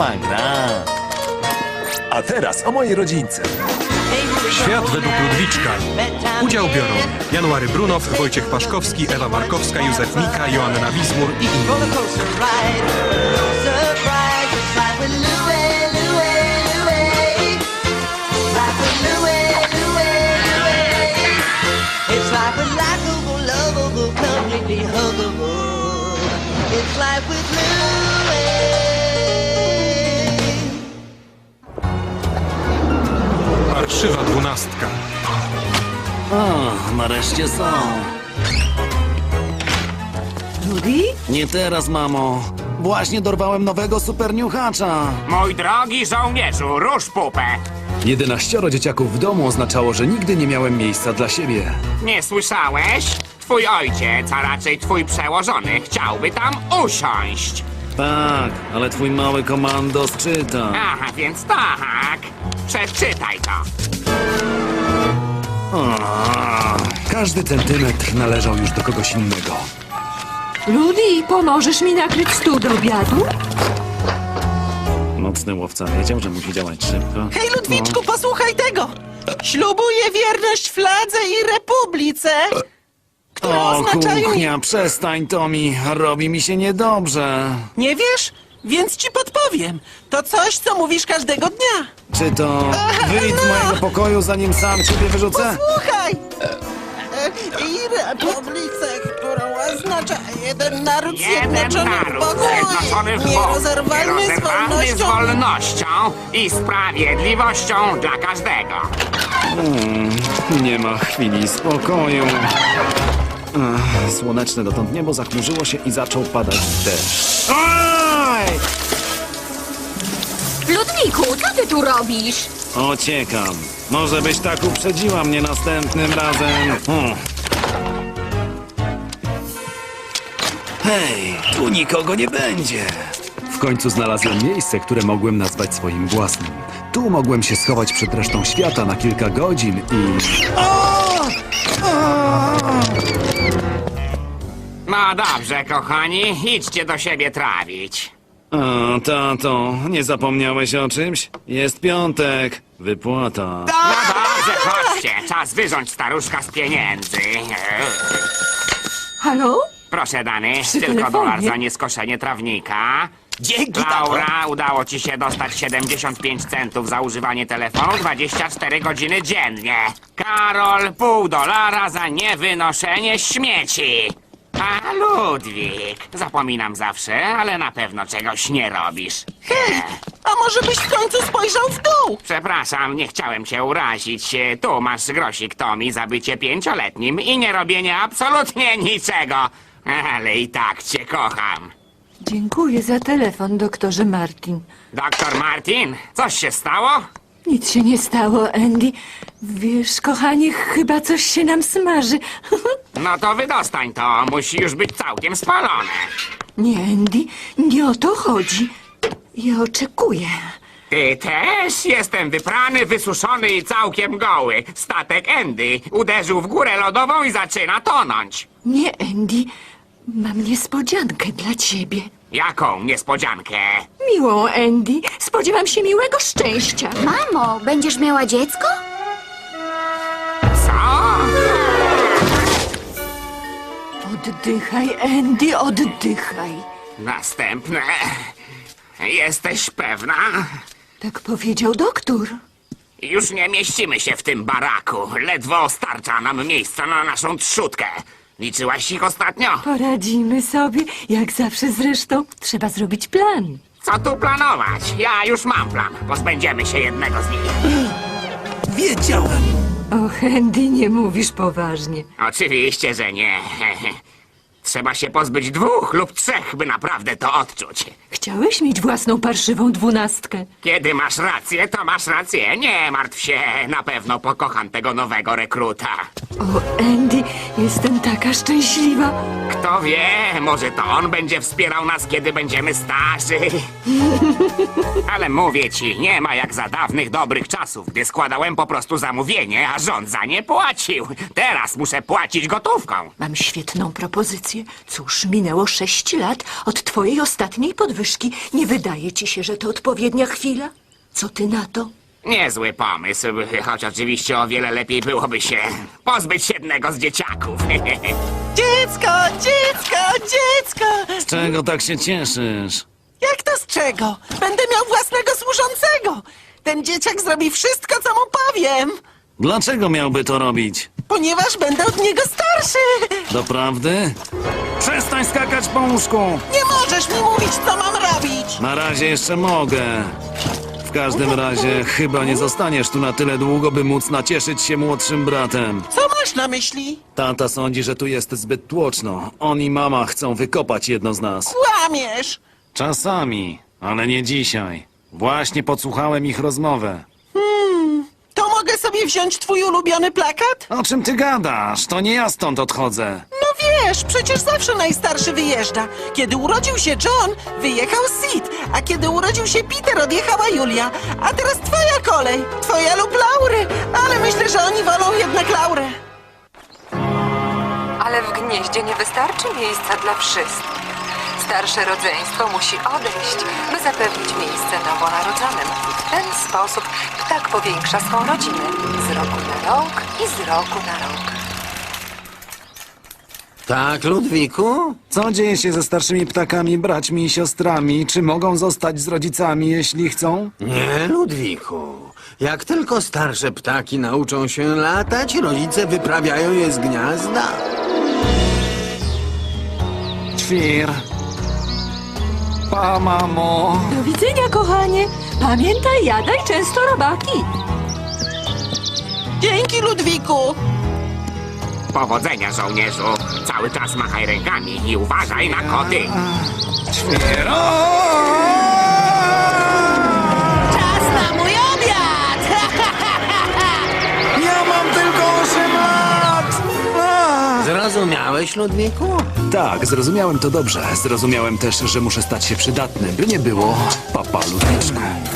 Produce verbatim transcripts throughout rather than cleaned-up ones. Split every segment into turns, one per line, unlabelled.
łatwa gra.
A teraz o mojej rodzince.
Świat według Ludwiczka. Udział biorą January Brunow, Wojciech Paszkowski, Ewa Markowska, Józef Mika, Joanna Wizmur i inni. Parszywa dwunastka.
O, nareszcie są.
Rudy?
Nie teraz, mamo. Właśnie dorwałem nowego superniuchacza.
Mój drogi żołnierzu, rusz pupę!
Jedenaścioro dzieciaków w domu oznaczało, że nigdy nie miałem miejsca dla siebie.
Nie słyszałeś? Twój ojciec, a raczej twój przełożony, chciałby tam usiąść.
Tak, ale twój mały komandos czyta.
Aha, więc tak. Przeczytaj to.
Każdy centymetr należał już do kogoś innego.
Rudy, pomożesz mi nakryć stół do obiadu?
Nocny łowca wiedział, że musi działać szybko.
Hej, Ludwiczku, posłuchaj tego! Ślubuję wierność fladze i republice, które
O,
oznaczają...
kuchnia, przestań, Tomi. Robi mi się niedobrze.
Nie wiesz? Więc ci podpowiem. To coś, co mówisz każdego dnia.
Czy to wyjdź z
no.
mojego pokoju, zanim sam ciebie wyrzucę?
Słuchaj! E, I republice, którą oznacza jeden naród
Jeden
zjednoczony w
naród
Bogu
zjednoczony w
i
Bogu,
nierozerwalny z
nierozerwalny z
wolnością.
wolnością i sprawiedliwością dla każdego.
Nie ma chwili spokoju. Ach, słoneczne dotąd niebo zachmurzyło się i zaczął padać deszcz. Oj!
Ludwiku, co ty tu robisz?
Ociekam. Może byś tak uprzedziła mnie następnym razem. Hmm. Hej, tu nikogo nie będzie.
W końcu znalazłem miejsce, które mogłem nazwać swoim własnym. Tu mogłem się schować przed resztą świata na kilka godzin i...
No dobrze, kochani, idźcie do siebie trawić.
O, tato, nie zapomniałeś o czymś? Jest piątek. Wypłata.
No dobrze, chodźcie, czas wyrząć staruszka z pieniędzy.
Halo?
Proszę, Dany,
Przy
tylko
telefonie.
dolar za nieskoszenie trawnika.
Dzięki, tato.
Laura, udało ci się dostać siedemdziesiąt pięć centów za używanie telefonu dwadzieścia cztery godziny dziennie. Karol, pół dolara za niewynoszenie śmieci. A Ludwik, zapominam zawsze, ale na pewno czegoś nie robisz.
Hej, a może byś w końcu spojrzał w dół?
Przepraszam, nie chciałem cię urazić. Tu masz grosik, Tomi, za bycie pięcioletnim i nie robienie absolutnie niczego. Ale i tak cię kocham.
Dziękuję za telefon, doktorze Martin.
Doktor Martin, coś się stało?
Nic się nie stało, Andy. Wiesz, kochanie, chyba coś się nam smaży.
No to wydostań to, musi już być całkiem spalone.
Nie, Andy, nie o to chodzi. Ja oczekuję.
Ty też? Jestem wyprany, wysuszony i całkiem goły. Statek Andy uderzył w górę lodową i zaczyna tonąć.
Nie, Andy, mam niespodziankę dla ciebie.
Jaką niespodziankę?
Miłą, Andy. Spodziewam się miłego szczęścia.
Mamo, będziesz miała dziecko?
Co?
Oddychaj, Andy, oddychaj.
Następne. Jesteś pewna?
Tak powiedział doktor.
Już nie mieścimy się w tym baraku. Ledwo starcza nam miejsca na naszą trzutkę. Liczyłaś ich ostatnio?
Poradzimy sobie, jak zawsze zresztą. Trzeba zrobić plan.
Co tu planować? Ja już mam plan. Pozbędziemy się jednego z nich.
Wiedziałem.
Och, Andy, nie mówisz poważnie.
Oczywiście, że nie. Trzeba się pozbyć dwóch lub trzech, by naprawdę to odczuć.
Chciałeś mieć własną parszywą dwunastkę.
Kiedy masz rację, to masz rację. Nie martw się, na pewno pokocham tego nowego rekruta.
O, Andy, jestem taka szczęśliwa.
Kto wie, może to on będzie wspierał nas, kiedy będziemy starzy. Ale mówię ci, nie ma jak za dawnych dobrych czasów, gdy składałem po prostu zamówienie, a rząd za nie płacił. Teraz muszę płacić gotówką.
Mam świetną propozycję. Cóż, minęło sześć lat od twojej ostatniej podwyżki. Nie wydaje ci się, że to odpowiednia chwila? Co ty na to?
Niezły pomysł, choć oczywiście o wiele lepiej byłoby się pozbyć jednego z dzieciaków.
Dziecko, dziecko, dziecko!
Z czego tak się cieszysz?
Jak to z czego? Będę miał własnego służącego! Ten dzieciak zrobi wszystko, co mu powiem!
Dlaczego miałby to robić?
Ponieważ będę od niego starszy!
Doprawdy? Przestań skakać po łóżku!
Nie możesz mi mówić, co mam robić!
Na razie jeszcze mogę. W każdym razie chyba nie zostaniesz tu na tyle długo, by móc nacieszyć się młodszym bratem.
Co masz na myśli?
Tata sądzi, że tu jest zbyt tłoczno. On i mama chcą wykopać jedno z nas.
Kłamiesz!
Czasami, ale nie dzisiaj. Właśnie podsłuchałem ich rozmowę.
To mogę sobie wziąć twój ulubiony plakat?
O czym ty gadasz? To nie ja stąd odchodzę.
No wiesz, przecież zawsze najstarszy wyjeżdża. Kiedy urodził się John, wyjechał Sid, a kiedy urodził się Peter, odjechała Julia. A teraz twoja kolej, twoja lub Laury, ale myślę, że oni wolą jednak Laurę.
Ale w gnieździe nie wystarczy miejsca dla wszystkich. Starsze rodzeństwo musi odejść, by zapewnić miejsce nowonarodzonym. W ten sposób ptak powiększa swą rodzinę z roku na rok i z roku na rok.
Tak, Ludwiku?
Co dzieje się ze starszymi ptakami, braćmi i siostrami? Czy mogą zostać z rodzicami, jeśli chcą?
Nie, Ludwiku. Jak tylko starsze ptaki nauczą się latać, rodzice wyprawiają je z gniazda.
Ćwir. Pa, mamo.
Do widzenia, kochanie. Pamiętaj, jadaj często robaki.
Dzięki, Ludwiku!
Powodzenia, żołnierzu. Cały czas machaj rękami i uważaj na koty.
Ćwir.
Czas na mój obiad!
Ja mam tylko osiem lat!
Zrozumiałeś, Ludwiku?
Tak, zrozumiałem to dobrze. Zrozumiałem też, że muszę stać się przydatny, by nie było papa Ludwiczku.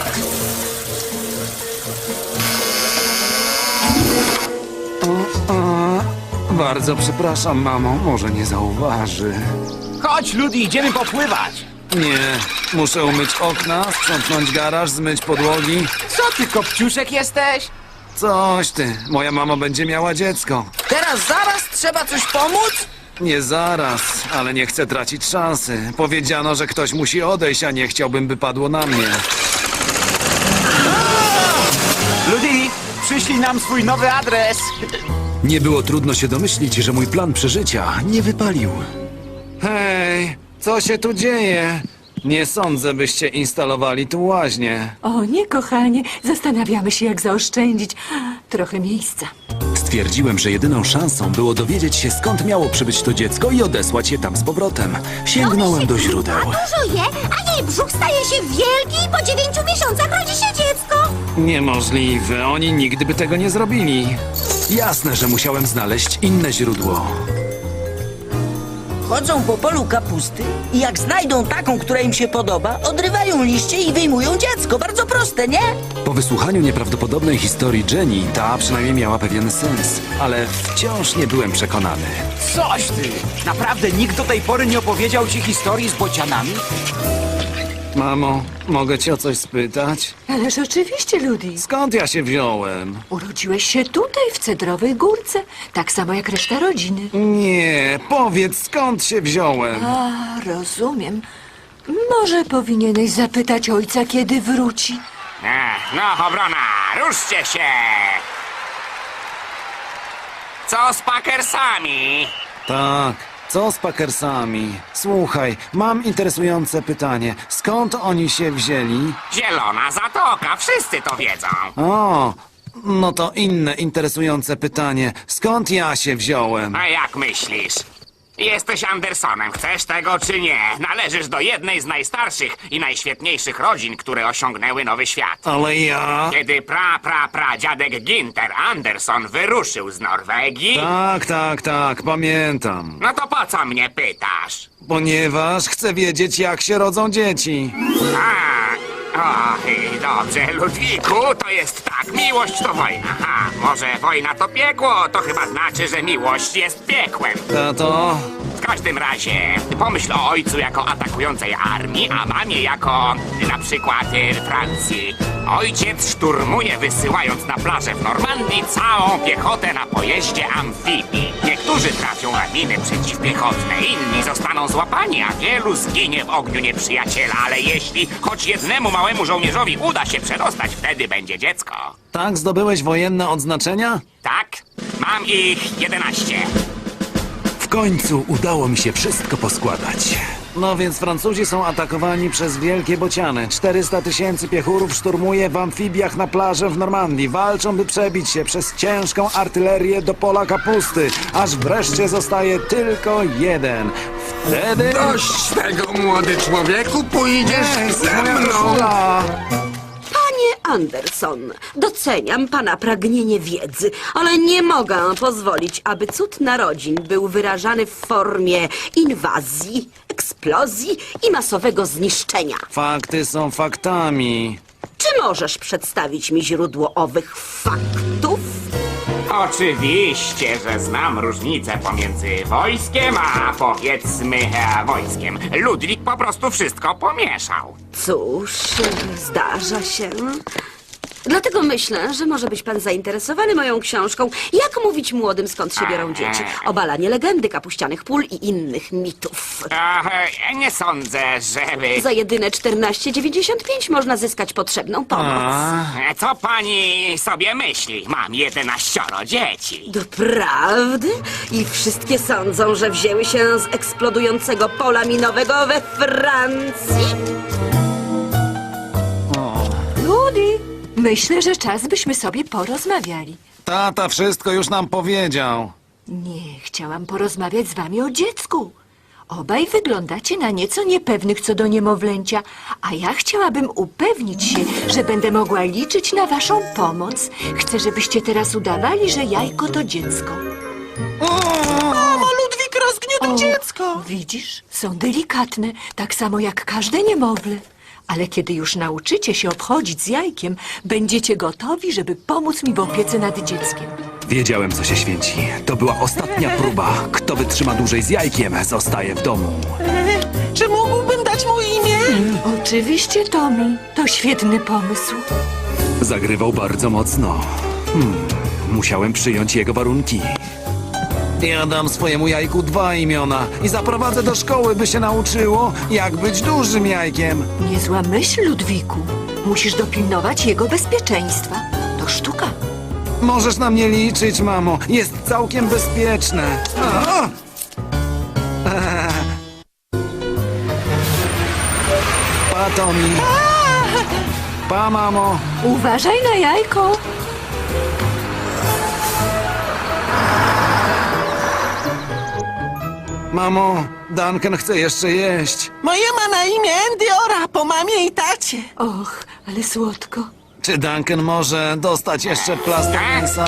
Bardzo przepraszam, mamo. Może nie zauważy.
Chodź, Ludi, idziemy popływać.
Nie. Muszę umyć okna, sprzątnąć garaż, zmyć podłogi.
Co ty, kopciuszek jesteś?
Coś ty. Moja mama będzie miała dziecko.
Teraz zaraz trzeba coś pomóc?
Nie zaraz, ale nie chcę tracić szansy. Powiedziano, że ktoś musi odejść, a nie chciałbym, by padło na mnie.
Ludi, przyślij nam swój nowy adres.
Nie było trudno się domyślić, że mój plan przeżycia nie wypalił.
Hej, co się tu dzieje? Nie sądzę, byście instalowali tu łaźnię.
O nie, kochanie. Zastanawiamy się, jak zaoszczędzić trochę miejsca.
Stwierdziłem, że jedyną szansą było dowiedzieć się, skąd miało przybyć to dziecko i odesłać je tam z powrotem. Sięgnąłem do źródeł.
Dużo je, a jej brzuch staje się wielki i po dziewięciu miesiącach rodzi się dziecko.
Niemożliwe, oni nigdy by tego nie zrobili.
Jasne, że musiałem znaleźć inne źródło.
Chodzą po polu kapusty i jak znajdą taką, która im się podoba, odrywają liście i wyjmują dziecko. Bardzo proste, nie?
Po wysłuchaniu nieprawdopodobnej historii Jenny, ta przynajmniej miała pewien sens, ale wciąż nie byłem przekonany.
Coś ty! Naprawdę nikt do tej pory nie opowiedział ci historii z bocianami?
Mamo, mogę cię o coś spytać?
Ależ oczywiście, Ludi.
Skąd ja się wziąłem?
Urodziłeś się tutaj, w Cedrowej Górce. Tak samo jak reszta rodziny.
Nie, powiedz, skąd się wziąłem?
A, rozumiem. Może powinieneś zapytać ojca, kiedy wróci.
Ech, no, obrona, ruszcie się! Co z Packersami?
Tak, co z Packersami? Słuchaj, mam interesujące pytanie. Skąd oni się wzięli?
Zielona Zatoka, wszyscy to wiedzą.
O, no to inne interesujące pytanie. Skąd ja się wziąłem?
A jak myślisz? Jesteś Andersonem, chcesz tego czy nie? Należysz do jednej z najstarszych i najświetniejszych rodzin, które osiągnęły nowy świat.
Ale ja...
Kiedy pra, pra, pra dziadek Ginter Anderson wyruszył z Norwegii...
Tak, tak, tak, pamiętam.
No to po co mnie pytasz?
Ponieważ chcę wiedzieć, jak się rodzą dzieci.
A, o, i dobrze, Ludwiku, to jest tak, miłość to wojna. A, może wojna to piekło, to chyba znaczy, że miłość jest piekłem.
Tato,
W każdym razie, pomyśl o ojcu jako atakującej armii, a mamie jako na przykład y, Francji. Ojciec szturmuje, wysyłając na plażę w Normandii całą piechotę na pojeździe amfibii. Niektórzy trafią na miny przeciwpiechotne, inni zostaną złapani, a wielu zginie w ogniu nieprzyjaciela. Ale jeśli choć jednemu małemu żołnierzowi uda się przedostać, wtedy będzie dziecko.
tak zdobyłeś wojenne odznaczenia?
Tak? Mam ich jedenaście.
W końcu udało mi się wszystko poskładać.
No więc Francuzi są atakowani przez wielkie bociany. czterysta tysięcy piechurów szturmuje w amfibiach na plażę w Normandii. Walczą, by przebić się przez ciężką artylerię do pola kapusty, aż wreszcie zostaje tylko jeden. Wtedy...
Dość tego, młody człowieku, pójdziesz
Ej,
ze
moja
mną!
koszula!
Panie Anderson, doceniam pana pragnienie wiedzy, ale nie mogę pozwolić, aby cud narodzin był wyrażany w formie inwazji, eksplozji i masowego zniszczenia.
Fakty są faktami.
Czy możesz przedstawić mi źródło owych faktów?
Oczywiście, że znam różnicę pomiędzy wojskiem, a powiedzmy e, wojskiem. Ludwik po prostu wszystko pomieszał.
Cóż, zdarza się. Dlatego myślę, że może być pan zainteresowany moją książką Jak mówić młodym, skąd się biorą dzieci. Obalanie legendy kapuścianych pól i innych mitów.
E, nie sądzę, żeby...
Za jedyne czternaście dziewięćdziesiąt pięć można zyskać potrzebną pomoc.
E, Co pani sobie myśli? Mam jedenaścioro dzieci.
Doprawdy? I wszystkie sądzą, że wzięły się z eksplodującego pola minowego we Francji?
Ludi, myślę, że czas byśmy sobie porozmawiali.
Tata wszystko już nam powiedział.
Nie, chciałam porozmawiać z wami o dziecku. Obaj wyglądacie na nieco niepewnych co do niemowlęcia, a ja chciałabym upewnić się, że będę mogła liczyć na waszą pomoc. Chcę, żebyście teraz udawali, że jajko to dziecko.
Mamo, Ludwik rozgniótł dziecko!
Widzisz? Są delikatne, tak samo jak każde niemowlę. Ale kiedy już nauczycie się obchodzić z jajkiem, będziecie gotowi, żeby pomóc mi w opiece nad dzieckiem.
Wiedziałem, co się święci. To była ostatnia próba. Kto wytrzyma dłużej z jajkiem, zostaje w domu.
Czy mógłbym dać mu imię?
Oczywiście, Tommy. To świetny pomysł.
Zagrywał bardzo mocno. Hmm, musiałem przyjąć jego warunki.
Ja dam swojemu jajku dwa imiona i zaprowadzę do szkoły, by się nauczyło, jak być dużym jajkiem.
Niezła myśl, Ludwiku. Musisz dopilnować jego bezpieczeństwa. To sztuka.
Możesz na mnie liczyć, mamo. Jest całkiem bezpieczne. A! Pa, Tommy. Pa, mamo.
Uważaj na jajko.
Mamo, Duncan chce jeszcze jeść.
Moje ma na imię Endiora, po mamie i tacie.
Och, ale słodko.
Czy Duncan może dostać jeszcze plaster mięsa?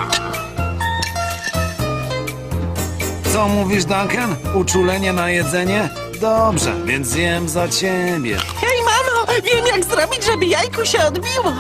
Co mówisz, Duncan? Uczulenie na jedzenie? Dobrze, więc zjem za ciebie.
Hej, mamo, wiem jak zrobić, żeby jajku się odbiło.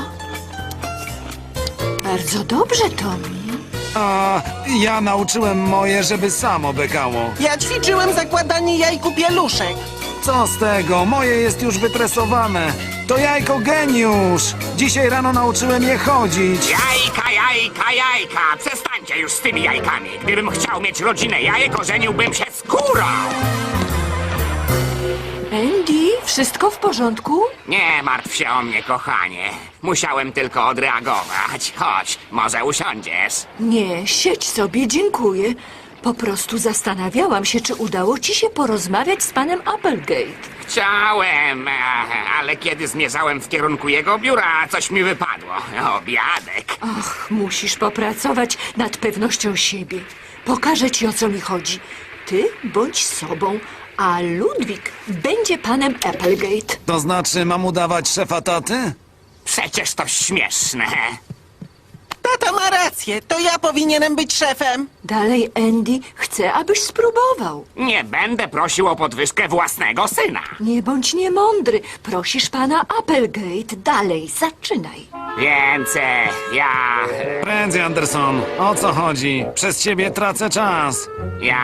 Bardzo dobrze, Tommy.
A ja nauczyłem moje, żeby samo bekało.
Ja ćwiczyłem zakładanie jajku pieluszek.
Co z tego? Moje jest już wytresowane. To jajko geniusz. Dzisiaj rano nauczyłem je chodzić.
Jajka, jajka, jajka! Przestańcie już z tymi jajkami. Gdybym chciał mieć rodzinę jajek, ożeniłbym się z kurą.
Andy, wszystko w porządku?
Nie martw się o mnie, kochanie. Musiałem tylko odreagować. Chodź, może usiądziesz.
Nie, siedź sobie, dziękuję. Po prostu zastanawiałam się, czy udało ci się porozmawiać z panem Applegate.
Chciałem, e, ale kiedy zmierzałem w kierunku jego biura, coś mi wypadło. Obiadek.
Ach, musisz popracować nad pewnością siebie. Pokażę ci, o co mi chodzi. Ty bądź sobą, a Ludwik będzie panem Applegate.
To znaczy, mam udawać szefa taty?
Przecież to śmieszne.
Tata ma rację, to ja powinienem być szefem.
Dalej, Andy, chcę, abyś spróbował.
Nie będę prosił o podwyżkę własnego syna.
Nie bądź niemądry. Prosisz pana Applegate. Dalej, zaczynaj.
Więc e, ja...
Prędzej, Anderson. O co chodzi? Przez ciebie tracę czas.
Ja...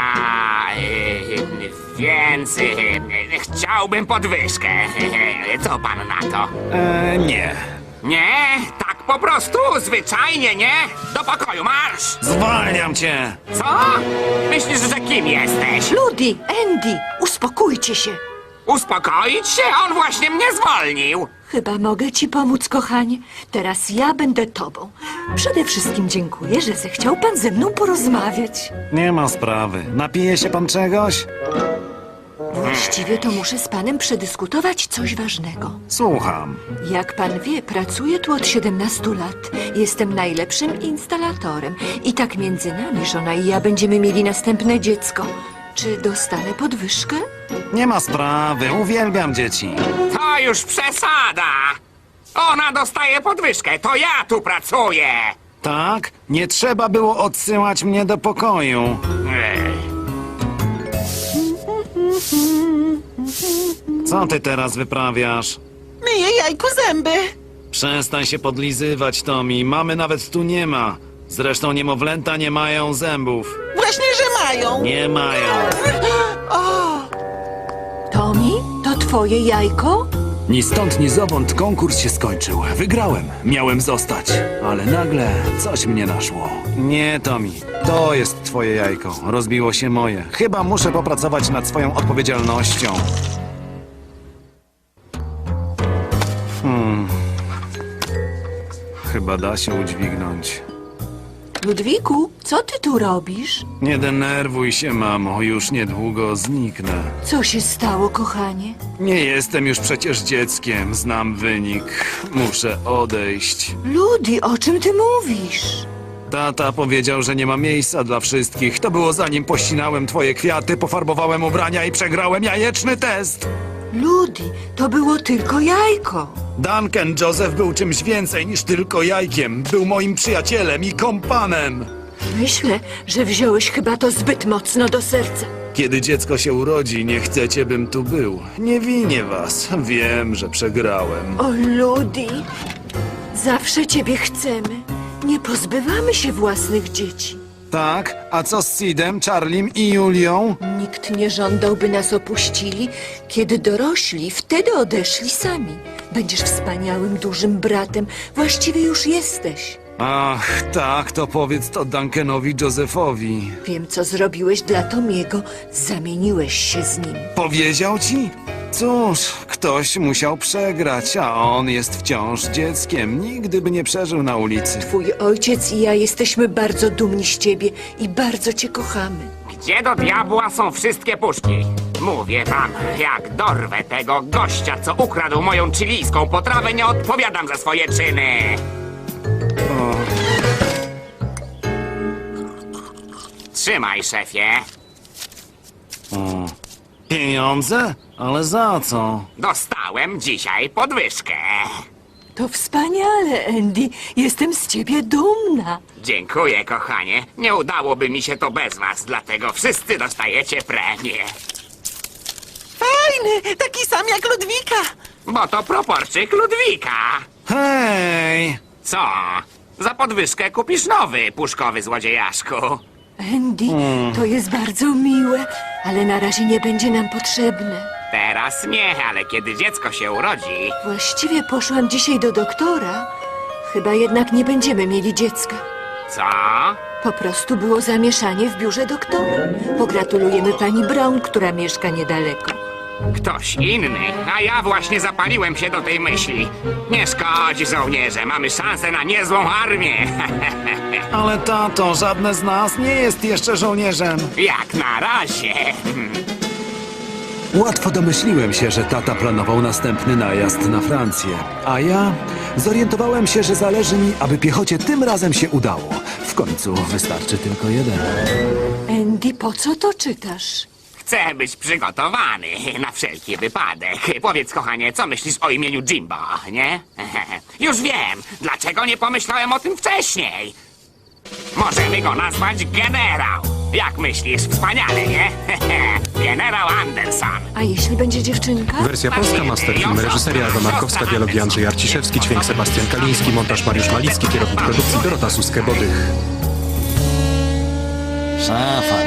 E, więc... E, chciałbym podwyżkę. Co pan na to?
E, nie.
Nie? Tak po prostu? Zwyczajnie nie? Do pokoju marsz!
Zwalniam cię.
Co? Myślisz, że kim jesteś?
Ludi, Andy, uspokójcie się.
Uspokoić się? On właśnie mnie zwolnił.
Chyba mogę ci pomóc, kochanie. Teraz ja będę tobą. Przede wszystkim dziękuję, że zechciał pan ze mną porozmawiać.
Nie ma sprawy. Napije się pan czegoś?
Właściwie to muszę z panem przedyskutować coś ważnego.
Słucham.
Jak pan wie, pracuję tu od siedemnastu lat. Jestem najlepszym instalatorem. I tak między nami żona i ja będziemy mieli następne dziecko. Czy dostanę podwyżkę?
Nie ma sprawy. Uwielbiam dzieci.
To już przesada. Ona dostaje podwyżkę, to ja tu pracuję.
Tak? Nie trzeba było odsyłać mnie do pokoju.
Ech.
Co ty teraz wyprawiasz?
Myję jajku zęby.
Przestań się podlizywać, Tommy. Mamy nawet tu nie ma. Zresztą niemowlęta nie mają zębów.
Właśnie, że mają.
Nie mają.
O,
Tommy, to twoje jajko?
Ni stąd, ni zowąd konkurs się skończył. Wygrałem. Miałem zostać. Ale nagle coś mnie naszło.
Nie, Tommy. To jest twoje jajko. Rozbiło się moje. Chyba muszę popracować nad swoją odpowiedzialnością. Hmm. Chyba da się udźwignąć.
Ludwiku, co ty tu robisz?
Nie denerwuj się, mamo. Już niedługo zniknę.
Co się stało, kochanie?
Nie jestem już przecież dzieckiem. Znam wynik. Muszę odejść.
Ludi, o czym ty mówisz?
Tata powiedział, że nie ma miejsca dla wszystkich. To było zanim pościnałem twoje kwiaty, pofarbowałem ubrania i przegrałem jajeczny test.
Ludi, to było tylko jajko.
Duncan Joseph był czymś więcej niż tylko jajkiem. Był moim przyjacielem i kompanem.
Myślę, że wziąłeś chyba to zbyt mocno do serca.
Kiedy dziecko się urodzi, nie chcecie, bym tu był. Nie winię was. Wiem, że przegrałem.
O, Ludi, zawsze ciebie chcemy. Nie pozbywamy się własnych dzieci.
Tak? A co z Sidem, Charlim i Julią?
Nikt nie żądał, by nas opuścili. Kiedy dorośli, wtedy odeszli sami. Będziesz wspaniałym, dużym bratem. Właściwie już jesteś.
Ach, tak, to powiedz to Duncanowi Josephowi.
Wiem, co zrobiłeś dla Tomiego. Zamieniłeś się z nim.
Powiedział ci? Cóż, ktoś musiał przegrać, a on jest wciąż dzieckiem. Nigdy by nie przeżył na ulicy.
Twój ojciec i ja jesteśmy bardzo dumni z ciebie i bardzo cię kochamy.
Gdzie do diabła są wszystkie puszki? Mówię wam, jak dorwę tego gościa, co ukradł moją chilijską potrawę, nie odpowiadam za swoje czyny.
O,
Trzymaj, szefie.
o. Pieniądze? Ale za co?
Dostałem dzisiaj podwyżkę.
To wspaniale, Andy. Jestem z ciebie dumna.
Dziękuję, kochanie. Nie udałoby mi się to bez was, dlatego wszyscy dostajecie premię.
fajny, taki sam jak Ludwika.
Bo to proporczyk Ludwika.
Hej!
Co? Za podwyżkę kupisz nowy, puszkowy złodziejaszku.
Andy, to jest bardzo miłe, ale na razie nie będzie nam potrzebne.
Teraz nie, ale kiedy dziecko się urodzi...
Właściwie poszłam dzisiaj do doktora. Chyba jednak nie będziemy mieli dziecka.
Co?
Po prostu było zamieszanie w biurze doktora. Pogratulujemy pani Brown, która mieszka niedaleko.
Ktoś inny, a ja właśnie zapaliłem się do tej myśli. Nie szkodzi, żołnierze, mamy szansę na niezłą armię.
Ale tato, żadne z nas nie jest jeszcze żołnierzem.
Jak na razie.
Łatwo domyśliłem się, że tata planował następny najazd na Francję. A ja zorientowałem się, że zależy mi, aby piechocie tym razem się udało. W końcu wystarczy tylko jeden.
Andy, po co to czytasz?
Chcę być przygotowany na wszelki wypadek. Powiedz, kochanie, co myślisz o imieniu Jimbo, nie? Już wiem, dlaczego nie pomyślałem o tym wcześniej. Możemy go nazwać generał. Jak myślisz? Wspaniale, nie? Generał Anderson.
A jeśli będzie dziewczynka?
Wersja polska, masterfilm, reżyseria Ewa Markowska, dialogi Andrzej Arciszewski, dźwięk Sebastian Kaliński, montaż Mariusz Malicki, kierownik produkcji Dorota Suskę-Bodych.
Szafa